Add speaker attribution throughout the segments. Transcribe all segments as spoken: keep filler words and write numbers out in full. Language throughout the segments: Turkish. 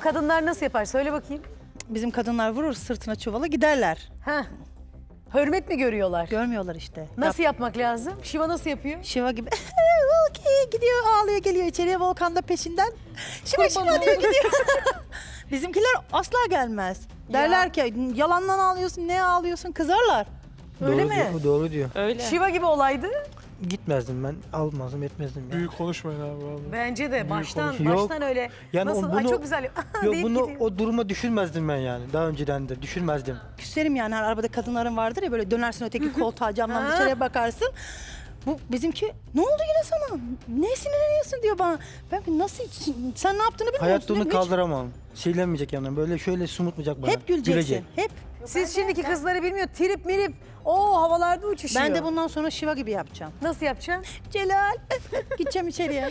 Speaker 1: kadınlar nasıl yapar? Söyle bakayım.
Speaker 2: Bizim kadınlar vurur sırtına çuvala giderler.
Speaker 1: Heh. Hürmet mi görüyorlar?
Speaker 2: Görmüyorlar işte.
Speaker 1: Nasıl yapmak lazım? Şiva nasıl yapıyor?
Speaker 2: Şiva gibi Volki gidiyor ağlıyor geliyor içeriye Volkan da peşinden. Şiva Şiva diyor gidiyor. Bizimkiler asla gelmez. Derler ki yalandan ağlıyorsun ne ağlıyorsun kızarlar.
Speaker 1: Öyle
Speaker 3: Doğru
Speaker 1: mi?
Speaker 3: diyor, doğru diyor.
Speaker 4: Öyle.
Speaker 1: Şiva gibi olaydı.
Speaker 3: Gitmezdim ben, almazdım, etmezdim. Yani.
Speaker 5: Büyük konuşmayın abi vallahi.
Speaker 1: Bence de baştan
Speaker 3: konuşma. Yok.
Speaker 1: baştan öyle.
Speaker 3: Yani
Speaker 1: nasıl?
Speaker 3: o
Speaker 1: Ay
Speaker 3: bunu-
Speaker 1: çok güzel.
Speaker 3: Yok
Speaker 1: deyip
Speaker 3: bunu
Speaker 1: gidiyor.
Speaker 3: o duruma düşürmezdim ben yani. Daha önceden de düşürmezdim.
Speaker 2: Küserim yani her arabada kadınların vardır ya böyle dönersin öteki koltuğa camdan
Speaker 1: Ha.
Speaker 2: dışarıya bakarsın. Bu bizimki ne oldu yine sana? Ne sinirleniyorsun diyor bana. Ben nasıl sen ne yaptığını bilmiyor
Speaker 3: Hayatta
Speaker 2: musun?
Speaker 3: onu
Speaker 2: Hiç-
Speaker 3: kaldıramam. Silenmeyecek yanına. Böyle şöyle sumutmayacak bana.
Speaker 2: Hep güleceksin.
Speaker 3: Gülecek.
Speaker 2: Hep.
Speaker 1: Siz şimdiki kızları bilmiyor. Trip mirip. O havalarda uçuşuyor.
Speaker 2: Ben de bundan sonra Şiva gibi yapacağım.
Speaker 1: Nasıl yapacaksın?
Speaker 2: Celal. Gideceğim içeriye.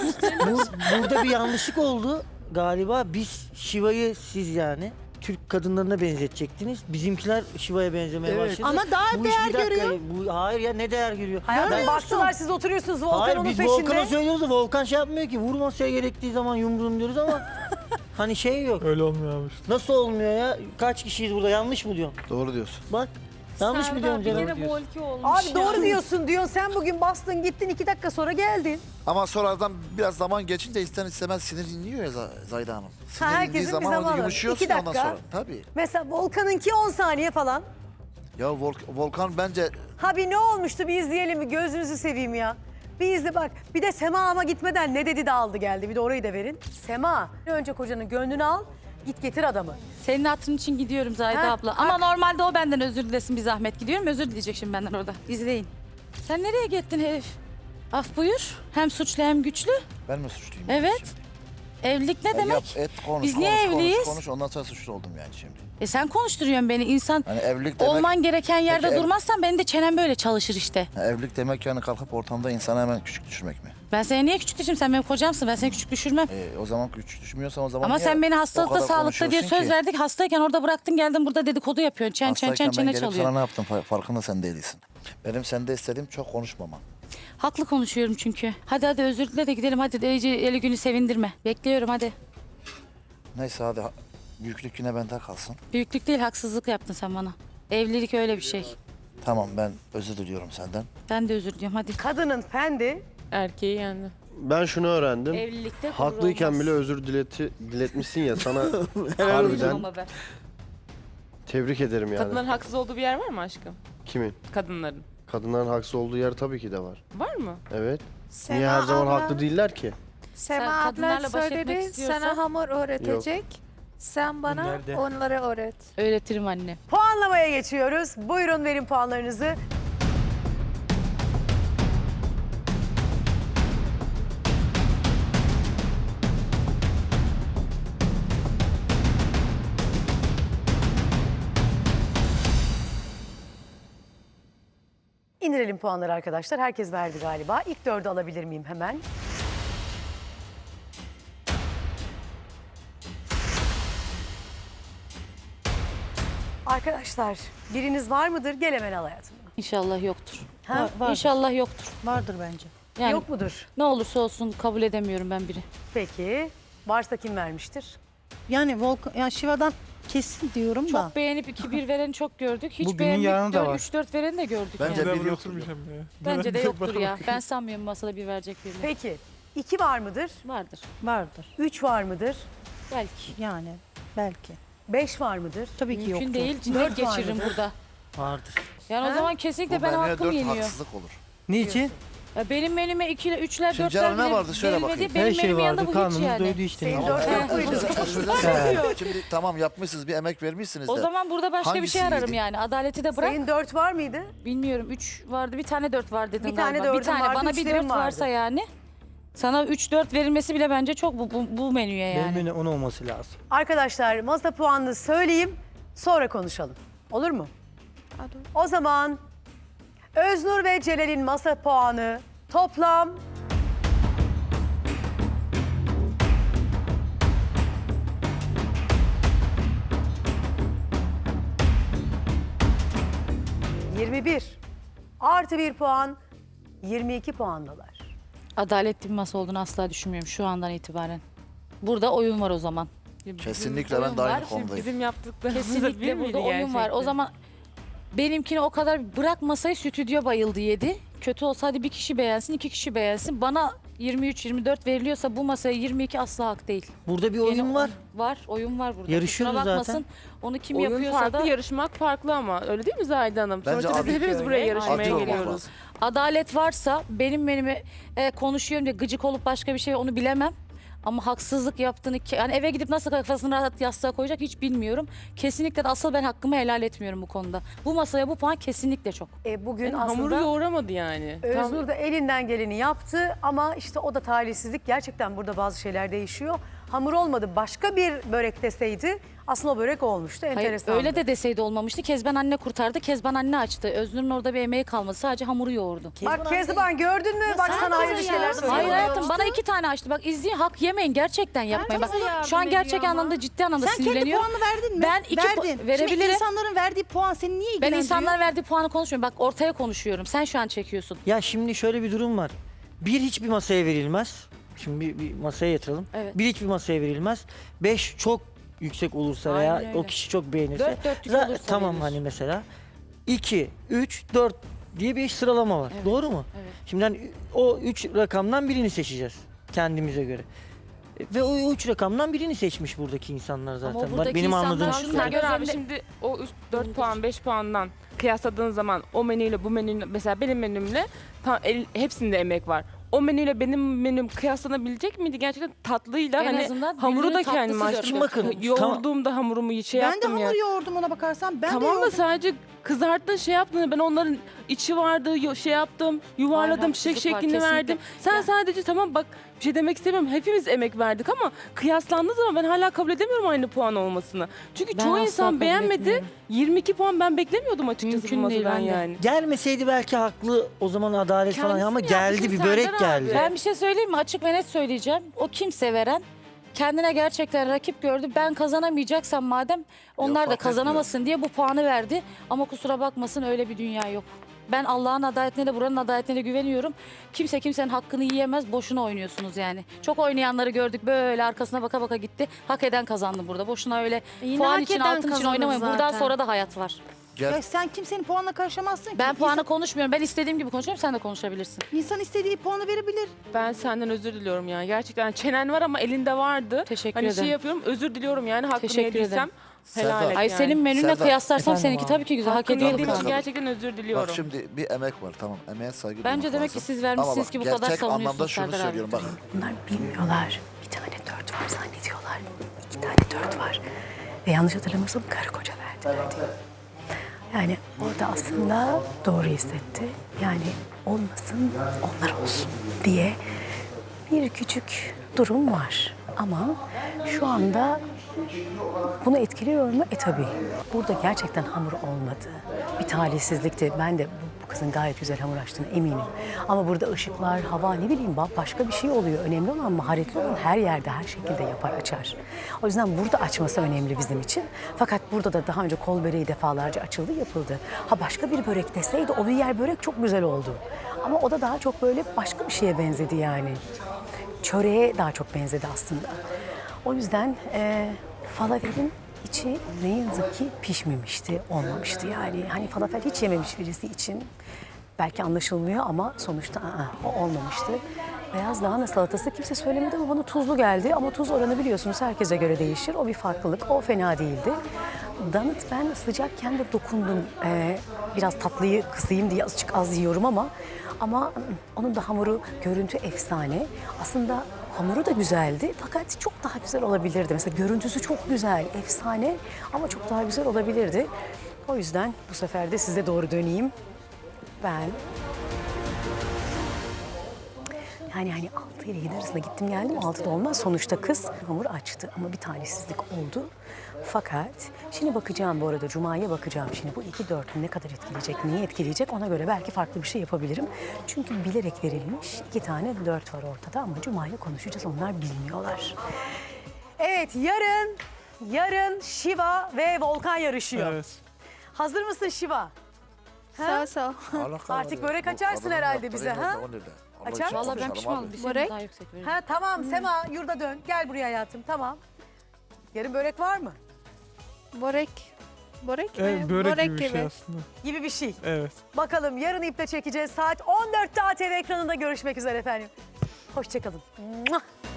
Speaker 3: Bur- burada bir yanlışlık oldu galiba. Biz Şiva'yı siz yani Türk kadınlarına benzetecektiniz. Bizimkiler Şiva'ya benzemeye
Speaker 2: Evet.
Speaker 3: başladı.
Speaker 2: Ama daha
Speaker 3: Bu
Speaker 2: değer
Speaker 3: iş bir dakika,
Speaker 2: görüyor.
Speaker 3: Bu, hayır ya ne değer görüyor?
Speaker 1: Hayatım
Speaker 3: Ben-
Speaker 1: baktılar siz oturuyorsunuz Volkan
Speaker 3: Hayır
Speaker 1: onun
Speaker 3: biz
Speaker 1: peşinde.
Speaker 3: Volkan'a söylüyoruz da Volkan şey yapmıyor ki. Vurmasaya gerektiği zaman yumruğum diyoruz ama hani şey yok.
Speaker 5: Öyle olmuyor abi işte.
Speaker 3: Nasıl olmuyor ya? Kaç kişiyiz burada? Yanlış mı diyorsun?
Speaker 6: Doğru diyorsun.
Speaker 3: Bak. Yanlış mı diyorum
Speaker 4: bir
Speaker 3: canım?
Speaker 4: kere volki olmuş
Speaker 1: Abi doğru
Speaker 4: ya.
Speaker 1: diyorsun diyorsun. Sen bugün bastın gittin iki dakika sonra geldin.
Speaker 6: Ama sonradan biraz zaman geçince ister istemez sinir inliyor ya Z- Zayda Hanım. Sinir
Speaker 1: herkesin
Speaker 6: indiği
Speaker 1: bir
Speaker 6: zaman
Speaker 1: zamanı.
Speaker 6: orada yumuşuyorsun
Speaker 1: İki
Speaker 6: ondan
Speaker 1: dakika.
Speaker 6: sonra. Tabii.
Speaker 1: Mesela Volkan'ınki on saniye falan.
Speaker 6: Ya Volk- Volkan bence
Speaker 1: Ha bir ne olmuştu bir izleyelim mi? Gözünüzü seveyim ya. Bir izle bak. Bir de Sema ama gitmeden ne dedi de aldı geldi. Bir de orayı da verin. Sema önce kocanın gönlünü al. Git getir adamı.
Speaker 4: Senin hatırın için gidiyorum Zahide
Speaker 1: Ha,
Speaker 4: abla.
Speaker 1: ha.
Speaker 4: Ama normalde o benden özür dilesin bir zahmet. Gidiyorum özür dileyecek şimdi benden orada. İzleyin. Sen nereye gittin herif? Af buyur. Hem suçlu hem güçlü.
Speaker 6: ben mi suçluyum?
Speaker 4: Evet.
Speaker 6: Şimdi?
Speaker 4: Evlilik ne
Speaker 6: Ya
Speaker 4: demek?
Speaker 6: yap, et, konuş,
Speaker 4: Biz
Speaker 6: konuş,
Speaker 4: niye
Speaker 6: konuş,
Speaker 4: evliyiz?
Speaker 6: Konuş, ondan sonra suçlu oldum yani şimdi.
Speaker 4: E sen konuşturuyorsun beni. İnsan
Speaker 6: Hani evlilik demek,
Speaker 4: olman gereken yerde
Speaker 6: Peki ev-
Speaker 4: durmazsan benim de çenem böyle çalışır işte.
Speaker 6: Ha, evlilik demek yani kalkıp ortamda insanı hemen küçük düşürmek mi?
Speaker 4: Ben seni niye küçük düşürüm? Sen benim kocamsın. Ben seni küçük düşürmem.
Speaker 6: E, o zaman küçük düşmüyorsan o zaman
Speaker 4: Ama
Speaker 6: niye
Speaker 4: sen beni
Speaker 6: o
Speaker 4: hastalıkta
Speaker 6: kadar
Speaker 4: sağlıkta diye
Speaker 6: konuşuyorsun
Speaker 4: söz
Speaker 6: ki?
Speaker 4: verdik. Hastayken orada bıraktın geldin burada dedikodu yapıyorsun. Çen çen çen
Speaker 6: Hastayken ben
Speaker 4: çene
Speaker 6: gelip
Speaker 4: çalıyor.
Speaker 6: sana ne yaptım fa- farkında sen değilsin. Benim sende istediğim çok konuşmaman.
Speaker 4: Haklı konuşuyorum çünkü. Hadi hadi özür dile de gidelim. Hadi de iyice eli günü sevindirme. Bekliyorum hadi.
Speaker 6: Neyse hadi ha- büyüklük yine bende kalsın.
Speaker 4: Büyüklük değil haksızlık yaptın sen bana. Evlilik öyle bir şey.
Speaker 6: Tamam ben özür diliyorum senden.
Speaker 4: Ben de özür diliyorum hadi.
Speaker 1: Kadının fendi.
Speaker 7: Erkeği yendi.
Speaker 8: Ben şunu öğrendim.
Speaker 4: Evlilikte gurur
Speaker 8: Haklıyken
Speaker 4: olmaz.
Speaker 8: bile özür dileti, diletmişsin ya sana
Speaker 4: Haklıyım
Speaker 8: harbiden
Speaker 4: ama ben.
Speaker 8: tebrik ederim yani.
Speaker 7: Kadınların haksız olduğu bir yer var mı aşkım?
Speaker 8: Kimin?
Speaker 7: Kadınların.
Speaker 8: Kadınların haksız olduğu yer tabii ki de var.
Speaker 7: Var mı?
Speaker 8: Evet.
Speaker 9: Sema
Speaker 8: Niye her zaman
Speaker 9: abla-
Speaker 8: haklı değiller ki?
Speaker 9: Sema
Speaker 4: Sen
Speaker 9: abla
Speaker 4: kadınlarla baş etmek
Speaker 9: söyledi
Speaker 4: istiyorsan-
Speaker 9: sana hamur öğretecek. Sen bana
Speaker 3: Nerede?
Speaker 9: onları öğret.
Speaker 4: Öğretirim anne.
Speaker 1: Puanlamaya geçiyoruz. Buyurun verin puanlarınızı. İndirelim puanları arkadaşlar. Herkes verdi galiba. İlk dördü alabilir miyim hemen? Arkadaşlar biriniz var mıdır? Gel hemen al hayatımda.
Speaker 4: İnşallah yoktur.
Speaker 1: Ha?
Speaker 2: Var- vardır.
Speaker 4: İnşallah yoktur.
Speaker 2: Vardır bence.
Speaker 4: Yani
Speaker 1: Yok mudur?
Speaker 4: ne olursa olsun kabul edemiyorum ben biri.
Speaker 1: Peki. Varsa kim vermiştir?
Speaker 2: Yani Volkan, yani Şiva'dan kesin diyorum da.
Speaker 4: Çok beğenip iki bir vereni çok gördük. Hiç
Speaker 3: Bugünün
Speaker 4: beğenip
Speaker 3: yarını da var.
Speaker 4: üç dört vereni de gördük
Speaker 6: Bence
Speaker 4: yani.
Speaker 6: bir
Speaker 5: Ben buraya
Speaker 6: yoktur.
Speaker 5: oturmayacağım ya.
Speaker 4: Bence de
Speaker 5: Ben-
Speaker 4: yoktur
Speaker 5: bana
Speaker 4: ya.
Speaker 5: bakın.
Speaker 4: Ben sanmıyorum masada bir verecek birini.
Speaker 1: Peki. İki var mıdır?
Speaker 4: Vardır.
Speaker 2: Vardır.
Speaker 1: Üç var mıdır?
Speaker 4: Belki.
Speaker 2: Yani belki.
Speaker 1: Beş var mıdır?
Speaker 2: Tabii ki
Speaker 4: Mümkün
Speaker 2: yoktur.
Speaker 4: değil. Cinnet
Speaker 1: Dört var
Speaker 4: geçiririm
Speaker 1: mıdır?
Speaker 4: burada.
Speaker 3: Vardır.
Speaker 4: Yani
Speaker 1: Ha?
Speaker 4: o zaman kesinlikle
Speaker 6: Bu
Speaker 4: benim
Speaker 6: menüye
Speaker 4: hakkım
Speaker 6: dört
Speaker 4: yeniyor.
Speaker 6: haksızlık olur.
Speaker 3: Niçin?
Speaker 4: Ya benim menüme ikiler, üçler,
Speaker 6: Şimdi
Speaker 4: dörtler
Speaker 6: canım ne
Speaker 4: bile
Speaker 6: vardı? Söyle
Speaker 4: verilmedi.
Speaker 6: bakayım.
Speaker 4: Benim
Speaker 3: Her şey
Speaker 4: menümün yanında
Speaker 3: vardı.
Speaker 4: bu hiç
Speaker 3: Karnımız
Speaker 4: yani.
Speaker 3: doydu işte.
Speaker 1: Senin
Speaker 3: Ne
Speaker 1: dört
Speaker 3: olacak?
Speaker 1: yok muydu?
Speaker 6: Şimdi tamam yapmışsınız bir emek vermişsiniz de.
Speaker 4: O zaman burada başka bir şey
Speaker 6: Hangisiydi?
Speaker 4: ararım yani. Adaleti de bırak.
Speaker 1: Senin dört var mıydı?
Speaker 4: Bilmiyorum. Üç vardı. Bir tane dört var dedim
Speaker 1: Bir tane
Speaker 4: galiba. Bir
Speaker 1: dördün
Speaker 4: tane.
Speaker 1: vardı,
Speaker 4: Bana bir
Speaker 1: üçlerin
Speaker 4: dört
Speaker 1: vardı.
Speaker 4: varsa yani. Sana üç dört verilmesi bile bence çok bu, bu, bu menüye yani.
Speaker 3: Benim on olması lazım.
Speaker 1: Arkadaşlar masa puanını söyleyeyim. Sonra konuşalım. Olur mu?
Speaker 9: Hadi.
Speaker 1: O zaman Öznur ve Celal'in masa puanı toplam yirmi bir. Artı bir puan yirmi iki puandalar.
Speaker 4: Adaletli bir masa olduğunu asla düşünmüyorum şu andan itibaren. Burada oyun var o zaman.
Speaker 7: Şimdi
Speaker 6: Kesinlikle
Speaker 7: bizim
Speaker 6: ben de aynı
Speaker 7: oyun var. Şimdi
Speaker 6: konudayım.
Speaker 7: Bizim yaptıklarımız
Speaker 4: Kesinlikle burada oyun var. O zaman benimkini o kadar bırak masayı, stüdyo bayıldı yedi. Kötü olsa hadi bir kişi beğensin, iki kişi beğensin. Bana yirmi üç yirmi dört veriliyorsa bu masaya yirmi iki asla hak değil.
Speaker 3: Burada bir oyun
Speaker 4: Gene
Speaker 3: var.
Speaker 4: Var, oyun var burada.
Speaker 3: Yarışıyoruz
Speaker 4: Kusura bakmasın.
Speaker 3: zaten.
Speaker 4: Onu kim
Speaker 7: oyun
Speaker 4: yapıyorsa
Speaker 7: farklı,
Speaker 4: da
Speaker 7: yarışmak farklı ama öyle değil mi Zahide Hanım?
Speaker 6: Bence
Speaker 7: Sonuçta biz
Speaker 6: adil
Speaker 7: hepimiz buraya
Speaker 4: öyle.
Speaker 7: yarışmaya
Speaker 6: Adil olmak
Speaker 7: geliyoruz.
Speaker 6: lazım.
Speaker 4: adalet varsa benim benime e, konuşuyorum diye gıcık olup başka bir şey onu bilemem. Ama haksızlık yaptığını, yani eve gidip nasıl kafasını rahat yastığa koyacak hiç bilmiyorum. Kesinlikle de asıl ben hakkımı helal etmiyorum bu konuda. Bu masaya bu puan kesinlikle çok.
Speaker 1: E, bugün
Speaker 7: Yani hamuru
Speaker 1: aslında
Speaker 7: yoğuramadı yani. Tam-
Speaker 1: Özgür de elinden geleni yaptı ama işte o da talihsizlik. Gerçekten burada bazı şeyler değişiyor. Hamur olmadı. Başka bir börek deseydi aslında o börek olmuştu.
Speaker 4: Hayır,
Speaker 1: Enteresan.
Speaker 4: öyle de deseydi olmamıştı. Kezban anne kurtardı. Kezban anne açtı. Öznur'un orada bir emeği kalmadı. Sadece hamuru yoğurdu.
Speaker 1: Bak Kezban gördün mü? Bak
Speaker 2: sen
Speaker 1: sana hayırlı
Speaker 2: kızın
Speaker 1: şeyler
Speaker 2: ya.
Speaker 1: söylüyor.
Speaker 4: Hayır hayatım bana iki tane açtı. Bak izleyin, hak yemeyin. Gerçekten yapmayın. Bak, şu an gerçek anlamda ciddi anlamda
Speaker 2: Sen kendi
Speaker 4: sinirleniyorum.
Speaker 2: puanını verdin mi?
Speaker 4: Ben iki pu-
Speaker 2: Verdin. Şimdi
Speaker 4: verebilirim.
Speaker 2: insanların verdiği puan seni niye
Speaker 4: Ben
Speaker 2: ilgilendiriyor?
Speaker 4: insanların verdiği puanı konuşmuyorum. Bak ortaya konuşuyorum. Sen şu an çekiyorsun.
Speaker 3: Ya şimdi şöyle bir durum var. Bir hiçbir masaya verilmez. Şimdi bir, bir masaya yatıralım.
Speaker 4: Evet.
Speaker 3: Bir hiçbir masaya verilmez. Beş çok yüksek olursa veya
Speaker 4: Aynen öyle.
Speaker 3: o kişi çok beğenirse.
Speaker 4: Dört dörtlük
Speaker 3: Za-
Speaker 4: olursa
Speaker 3: Tamam
Speaker 4: verilir.
Speaker 3: hani mesela. İki, üç, dört diye bir sıralama var.
Speaker 4: Evet,
Speaker 3: Doğru mu?
Speaker 4: evet.
Speaker 3: Şimdi hani o üç rakamdan birini seçeceğiz kendimize göre. Ve o üç rakamdan birini seçmiş buradaki insanlar zaten.
Speaker 4: o
Speaker 3: Bak,
Speaker 4: buradaki
Speaker 3: benim
Speaker 4: insanlar
Speaker 3: anladığım
Speaker 4: şunlar
Speaker 3: şu.
Speaker 7: Şuna göre abi
Speaker 4: gözlerinde-
Speaker 7: şimdi o dört puan beş puandan kıyasladığın zaman o menüyle bu menüyle mesela benim menümle tam el, hepsinde emek var. O menüyle benim menüm kıyaslanabilecek miydi? Gerçekten tatlıyla
Speaker 4: En
Speaker 7: hani
Speaker 4: azından
Speaker 7: hamuru da
Speaker 4: birbirinin
Speaker 7: kendim
Speaker 4: tatlısı
Speaker 7: açtım.
Speaker 3: dört dört. Bakın,
Speaker 7: Yoğurduğumda hamurumu şey
Speaker 2: Ben de
Speaker 7: yaptım
Speaker 2: hamur
Speaker 7: ya.
Speaker 2: yoğurdum ona bakarsan. Ben de
Speaker 7: Tamam da
Speaker 2: yoğurdum.
Speaker 7: sadece kızarttın şey yaptın. Ben onların içi vardı yo- şey yaptım yuvarladım
Speaker 4: Hayır,
Speaker 7: çiçek
Speaker 4: haksızlık var,
Speaker 7: şeklini
Speaker 4: kesinlikle.
Speaker 7: verdim. Sen
Speaker 4: Ya-
Speaker 7: sadece tamam bak bir şey demek istemiyorum. Hepimiz emek verdik ama kıyaslandığı zaman ben hala kabul edemiyorum aynı puan olmasını. Çünkü
Speaker 4: Ben
Speaker 7: çoğu
Speaker 4: asla
Speaker 7: insan
Speaker 4: kabul
Speaker 7: beğenmedi.
Speaker 4: etmiyorum.
Speaker 7: yirmi iki puan ben beklemiyordum açıkçası
Speaker 4: Mümkün
Speaker 7: bu
Speaker 4: değil,
Speaker 7: masadan
Speaker 4: ben de.
Speaker 7: yani.
Speaker 3: Gelmeseydi belki haklı o zaman adalet falan
Speaker 7: Kendisi
Speaker 3: ama
Speaker 7: mi
Speaker 3: geldi
Speaker 7: yaptı
Speaker 3: bir
Speaker 7: Serdar
Speaker 3: börek
Speaker 7: abi?
Speaker 3: geldi.
Speaker 4: Ben bir şey söyleyeyim mi? Açık ve net söyleyeceğim. O kimse veren kendine gerçekten rakip gördü. Ben kazanamayacaksam madem onlar da
Speaker 6: fark
Speaker 4: kazanamasın diye bu puanı verdi. Ama kusura bakmasın öyle bir dünya yok. Ben Allah'ın adaletine de buranın adaletine de güveniyorum. Kimse kimsenin hakkını yiyemez. Boşuna oynuyorsunuz yani. Çok oynayanları gördük. Böyle arkasına baka baka gitti. Hak eden kazandı burada. Boşuna öyle
Speaker 9: Yine
Speaker 4: puan
Speaker 9: hak
Speaker 4: için
Speaker 9: eden
Speaker 4: altın için
Speaker 9: kazanır
Speaker 4: oynamayın. Buradan
Speaker 9: zaten.
Speaker 4: sonra da hayat var.
Speaker 6: Gel.
Speaker 2: Ya sen kimsenin puanına karışamazsın ki.
Speaker 4: Ben puanı
Speaker 2: İnsan,
Speaker 4: konuşmuyorum. Ben istediğim gibi konuşuyorum. Sen de konuşabilirsin.
Speaker 2: insan istediği puanı verebilir.
Speaker 7: Ben senden özür diliyorum yani. Gerçekten çenen var ama elinde vardı.
Speaker 4: Teşekkür
Speaker 7: Hani
Speaker 4: ederim.
Speaker 7: şey yapıyorum özür diliyorum yani hakkını
Speaker 4: Teşekkür
Speaker 7: yediysem
Speaker 4: ederim.
Speaker 7: helal
Speaker 6: Serdar.
Speaker 7: et
Speaker 4: Ay
Speaker 7: yani.
Speaker 4: senin menünle
Speaker 6: Serdar.
Speaker 4: kıyaslarsam
Speaker 3: Efendim
Speaker 4: seninki
Speaker 3: abi.
Speaker 4: tabii ki güzel. Hak
Speaker 7: Hakkını
Speaker 4: ediyorum.
Speaker 7: yediğim için
Speaker 6: bakalım.
Speaker 7: gerçekten özür diliyorum.
Speaker 6: Bak şimdi bir emek var tamam. Emeğe saygı
Speaker 4: Bence
Speaker 6: duymak
Speaker 4: demek ki
Speaker 6: lazım.
Speaker 4: siz vermişsiniz
Speaker 6: Ama bak,
Speaker 4: ki bu kadar
Speaker 6: gerçek
Speaker 4: savunuyorsunuz
Speaker 6: anlamda şunu
Speaker 4: Serdar abi.
Speaker 6: söylüyorum bak.
Speaker 1: Bunlar bilmiyorlar. Bir tane dört var zannediyorlar. İki tane dört var. Ve yanlış hatırlamıyorsam karı koca verdiler diye. Yani orada aslında doğru hissetti. Yani olmasın onlar olsun diye bir küçük durum var. Ama şu anda bunu etkiliyor mu? E tabii. Burada gerçekten hamur olmadı. Bir talihsizlikti. Ben de bu, bu kızın gayet güzel hamur açtığına eminim. Ama burada ışıklar, hava ne bileyim başka bir şey oluyor. Önemli olan maharetli olan her yerde her şekilde yapar açar. O yüzden burada açması önemli bizim için. Fakat burada da daha önce kol böreği defalarca açıldı yapıldı. Ha başka bir börek deseydi o bir yer börek çok güzel oldu. Ama o da daha çok böyle başka bir şeye benzedi yani. Çöreğe daha çok benzedi aslında. O yüzden e, falafelin içi ne yazık ki pişmemişti, olmamıştı yani. Hani falafel hiç yememiş birisi için belki anlaşılmıyor ama sonuçta aa, o olmamıştı. Beyaz lahana salatası kimse söylemedi ama bana tuzlu geldi. Ama tuz oranı biliyorsunuz herkese göre değişir. O bir farklılık, o fena değildi. Donut ben sıcakken de dokundum. Ee, biraz tatlıyı kısayım diye azıcık az yiyorum ama... Ama onun da hamuru, görüntü efsane. Aslında hamuru da güzeldi fakat çok daha güzel olabilirdi. Mesela görüntüsü çok güzel, efsane ama çok daha güzel olabilirdi. O yüzden bu sefer de size doğru döneyim. Ben... Yani hani altı ile yedi arasında gittim geldim. altıda olmaz. Sonuçta kız hamur açtı ama bir talihsizlik oldu. Fakat şimdi bakacağım bu arada. Cuma'ya bakacağım. Şimdi bu iki dörtlü ne kadar etkileyecek, neyi etkileyecek ona göre belki farklı bir şey yapabilirim. Çünkü bilerek verilmiş iki tane dört var ortada ama Cuma'ya konuşacağız. Onlar bilmiyorlar. Evet yarın, yarın Şiva ve Volkan yarışıyor.
Speaker 5: Evet.
Speaker 1: Hazır mısın Şiva?
Speaker 9: Sağ sağ.
Speaker 1: Artık börek açarsın herhalde bize, ha? Açar
Speaker 4: Vallahi ben pişman oldum. Bir sene
Speaker 9: Börek.
Speaker 4: daha yüksek veririm.
Speaker 1: Ha tamam Sema yurda dön. Gel buraya hayatım tamam. Yarın börek var mı?
Speaker 9: Börek. Börek mi?
Speaker 5: Evet, börek, gibi bir şey aslında.
Speaker 1: Gibi bir şey.
Speaker 5: Evet.
Speaker 1: Bakalım yarın iple çekeceğiz. Saat on dörtte A T V ekranında görüşmek üzere efendim. Hoşçakalın.